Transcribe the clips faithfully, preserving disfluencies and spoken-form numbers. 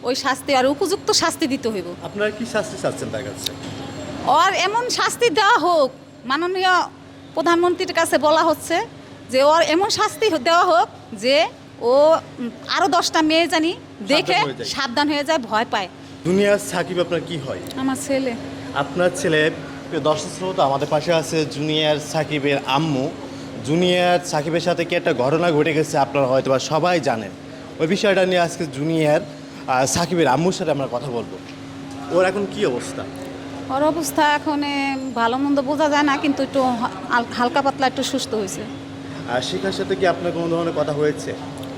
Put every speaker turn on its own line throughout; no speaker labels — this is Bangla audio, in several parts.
ওই শাস্তি আর উপযুক্ত শাস্তি দিতে হইব।
আপনারা কি শাস্তি চাচ্ছেন তার কাছে?
ওর এমন শাস্তি দেওয়া হোক, মাননীয় প্রধানমন্ত্রীর কাছে বলা হচ্ছে যে ওর এমন শাস্তি দেওয়া হোক যে ও আরও দশটা মেয়ে জানি দেখে
সাবধান হয়ে যায়।
সাবধান হয়ে যায়, ভয় পায়।
দুনিয়ার সাকিব আপনার কি হয়?
আমার ছেলে।
আপনার ছেলে, প্রিয় দর্শক শ্রোতা, আমাদের পাশে আছে জুনিয়র সাকিবের আম্মু। জুনিয়র সাকিবের সাথে কি একটা ঘটনা ঘটে গেছে, আপনারা হয়তো বা সবাই জানেন। ওই বিষয়টা নিয়ে আজকে জুনিয়র আহ, সাকিবের আম্মুর সাথে আমরা কথা বলবো। ওর এখন কি অবস্থা?
ওর অবস্থা এখন এ, ভালো মন্দ বোঝা যায় না, কিন্তু একটু হাল- হালকা পাতলা একটু সুস্থ হয়েছে।
আর শিখার সাথে কি আপনার কোনো ধরনের কথা হয়েছে?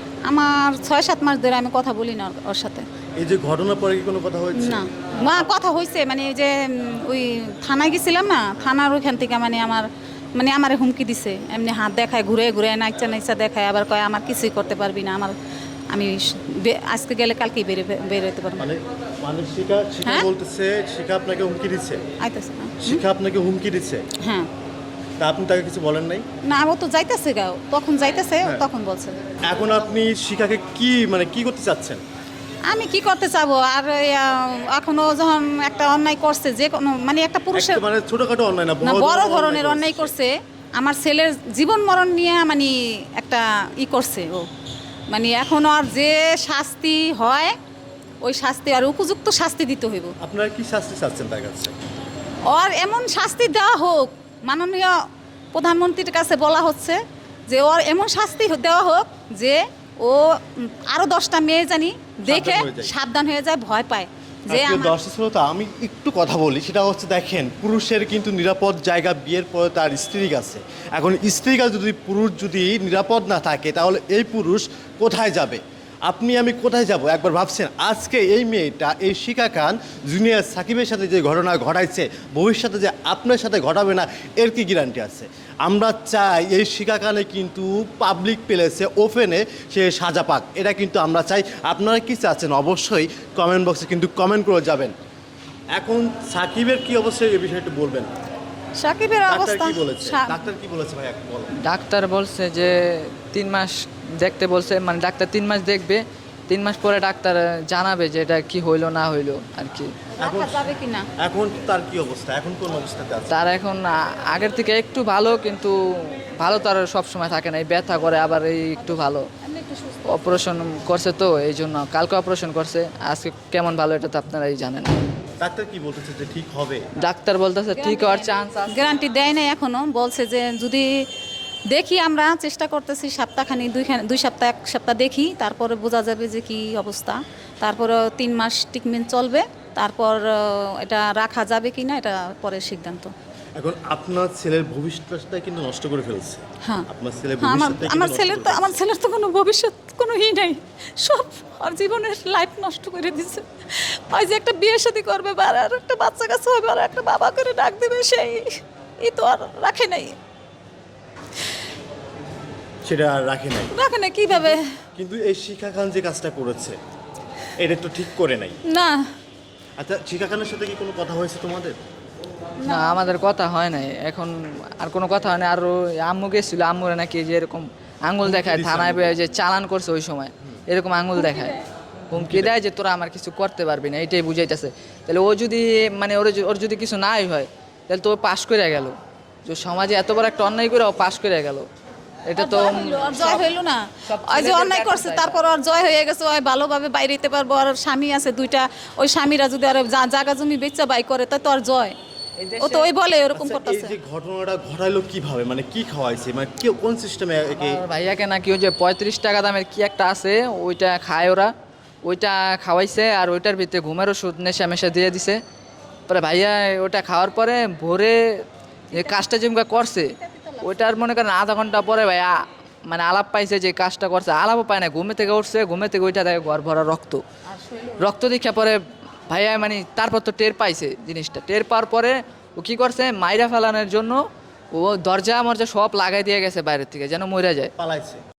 আমার ছয় সাত মাস ধরে আমি কথা বলি না ওর- ওর সাথে।
এই যে ঘটনার পরে কি কোনো কথা হয়েছে?
না, মা কথা হয়েছে, মানে এই যে উম, ওই থানায় গেছিলাম না, থানার ওইখান থেকে মানে আমার মানে আমারে হুমকি দিছে, এমনি হাত দেখায়, ঘুরে ঘুরে নাইচা নাইচা দেখায়, আবার কয় আমার কিছুই করতে পারবি না, আমার আমি স- বে- আজকে গেলে কালকেই বেরো বেরোতে পারবো।
মানে মানে শিখা শিখা
হ্যাঁ?
বলতেছে শিখা আপনাকে হুমকি দিচ্ছে?
আইতেছে না।
শিখা আপনাকে হুমকি দিচ্ছে?
হ্যাঁ,
তা আপনি তাকে কিছু বলেন নাই?
না ও তো যাইতেছে গাও, তখন যাইতেছে,
হ্যাঁ।
তখন বলছে।
এখন আপনি শিখাকে কি মানে কি করতে চাচ্ছেন?
আমি কি করতে চাবো আর এই, আহ, এখনো যখন একটা অন্যায় করছে, যে কোনো মানে একটা পুরুষের
একটা মানে ছোটখাটো অন্যায় না,
না, বড় ধরনের
করেছে।
অন্যায় করছে, আমার ছেলের জীবন মরণ নিয়ে মানে একটা ই করছে ও, মানে এখন আর যে শাস্তি হয় ওই শাস্তি আর উপযুক্ত শাস্তি দিতে হইব।
আপনারা কি শাস্তি চাচ্ছেন তার কাছে?
ওর এমন শাস্তি দেওয়া হোক, মাননীয় প্রধানমন্ত্রীর কাছে বলা হচ্ছে যে ওর এমন শাস্তি দেওয়া হোক যে ও আরও দশটা মেয়ে জানি দেখে
সাবধান হয়ে যায়।
সাবধান হয়ে যায়, ভয় পায় যে
প্রিয়
আমার-
দর্শক শ্রোতা, আমি একটু কথা বলি। সেটা হচ্ছে, দেখেন, পুরুষের কিন্তু নিরাপদ জায়গা বিয়ের পরে তার স্ত্রী আছে। এখন স্ত্রী কাছে যদি পুরুষ যদি নিরাপদ না থাকে, তাহলে এই পুরুষ কোথায় যাবে? আপনি আমি কোথায় যাব একবার ভাবছেন? আজকে এই মেয়েটা, এই শিখা খান জুনিয়র সাকিবের সাথে যে ঘটনা ঘটাইছে, ভবিষ্যতে যে আপনার সাথে ঘটাবে না, এর কি গ্যারান্টি আছে? আমরা চাই এই শিখা খানে কিন্তু পাবলিক প্লেসে ওপেনে সে সাজা পাক, এটা কিন্তু আমরা চাই। আপনারা কি চাচ্ছেন অবশ্যই কমেন্ট বক্সে কিন্তু কমেন্ট করে যাবেন। এখন সাকিবের কি অবস্থা, এই বিষয়টা বলবেন।
সাকিবের
ডাক্তার
অবস্থা
কি বলেছে?
সা-
ডাক্তার কি বলেছে ভাই, একটু বলো।
ডাক্তার বলছে যে তিন মাস দেখতে বলছে, মানে ডাক্তার তিন মাস দেখবে, তিন মাস পরে ডাক্তার জানাবে যে এটা কি হইলো না হইলো আর কি।
রাখা যাবে কিনা।
এখন তার কি অবস্থা, এখন কোন অবস্থাতে আছে?
তার এখন আ- আগের থেকে একটু ভালো, কিন্তু ভালো তার সব সময় থাকে না, এই ব্যথা করে, আবার এই একটু ভালো।
এমনি একটু সুস্থ।
অপারেশন করছে তো এই জন্য, কালকে অপারেশন করছে, আজকে কেমন ভালো এটা তো আপনারাই জানেন।
ডাক্তার কি বলতেছে যে ঠিক হবে?
ডাক্তার বলতেছে ঠিক হওয়ার চান্স আছে।
গ্যারান্টি দেয় নাই এখনো, বলছে যে যদি দেখি, আমরা চেষ্টা করতেছি সপ্তাহখানি দুইখানি দুই সপ্তাহ এক সপ্তাহ দেখি, তারপরে বোঝা যাবে যে কি অবস্থা। তারপরে তিন মাস ট্রিটমেন্ট চলবে, তারপর আহ, এটা রাখা যাবে কি না এটা পরের সিদ্ধান্ত।
এখন আপনার ছেলের ভবিষ্যৎটা কিন্তু নষ্ট করে ফেলছে।
হ্যাঁ,
আপনার ছেলের
হ্যাঁ, আমার
ভবিষ্যৎটা কিন্তু
আমার
নষ্ট
ছেলের
করে
তো আমার
ফেলছে।
ছেলের তো কোনো ভবিষ্যৎ কোনো ই নাই, সব আর জীবনের লাইফ নষ্ট করে দিচ্ছে। ওই যে একটা বিয়ে শাদী করবে, বা আর একটা বাচ্চা কাছে হবে, আর একটা বাবা করে ডাক দেবে, সেই ই তো আর রাখে নাই,
সেটা আর রাখে নাই।
রাখে নাই কিভাবে।
কিন্তু এই শিখা খান যে কাজটা করেছে, এটা তো ঠিক করে নাই।
না,
আচ্ছা, শিখা খানের সাথে কি কোনো কথা হয়েছে তোমাদের?
না, আমাদের কথা হয় নাই এখন, আর কোনো কথা হয় না। আর ওই আম্মু গেছিল, আম্মুরে নাকি যে এরকম আঙ্গুল দেখায়
দিছে
থানায়
আম্মুকে?
বেয়ে যে চালান করছে ওই সময়, এরকম আঙ্গুল দেখায়, হুমকি দেয় যে তোরা আমার কিছু করতে পারবি না, এইটাই বুঝাইতেছে। তাহলে ও যদি মানে ওর ওর যদি কিছু নাই হয়, তাহলে তো ও পাশ করে গেল, যে সমাজে এত বড় একটা অন্যায় করে ও পাশ করে গেল, এটা তো
জয় হইলো, আর জয় হইলো না।
সব
ওই যে
ছেলেদের
অন্যায়
দেখা
করছে,
যায়।
তারপর আর জয় হয়ে গেছে, ওই ভালোভাবে বাইরে যেতে পারবো, আর ওর স্বামী আছে দুইটা, ওই স্বামীরা যদি আর জা- জায়গা জমি বেচা বাই করে, তাই তো আর জয়।
এই
ও
দেশে-
তো ওই বলে এরকম
আচ্ছা, এই
করতেছে।
যে ঘটনাটা ঘটাইলো কিভাবে, মানে কি খাওয়াইছে, মানে কি কোন সিস্টেমে একে?
আমার ভাইয়াকে নাকি ওই যে পঁয়ত্রিশ টাকা দামের কি একটা আছে, ওইটা খায় ওরা, ওইটা খাওয়াইছে, আর ওইটার ভিতরে ঘুমের ওষুধ নেশা মেশা দিয়ে দিছে। পরে ভাইয়া ওটা খাওয়ার পরে ভোরে যে কাজটা যেমন করছে, ওইটার মনে করেন আধা ঘন্টা পরে ভাইয়া মানে আলাপ পাইছে যে কাজটা করছে, আলাপও পায় না, ঘুমে থেকে উঠছে, ঘুমে থেকে ওইটা দেখে ঘর ভরা রক্ত, রক্ত দেখা পরে ভাইয়া মানে তারপর তো টের পাইছে জিনিসটা, টের পাওয়ার পরে ও কী করছে, মাইরা ফেলানোর জন্য ও দরজা মরজা সব লাগাই দিয়ে গেছে বাইরের থেকে, যেন মরে যায়।
পালাইছে?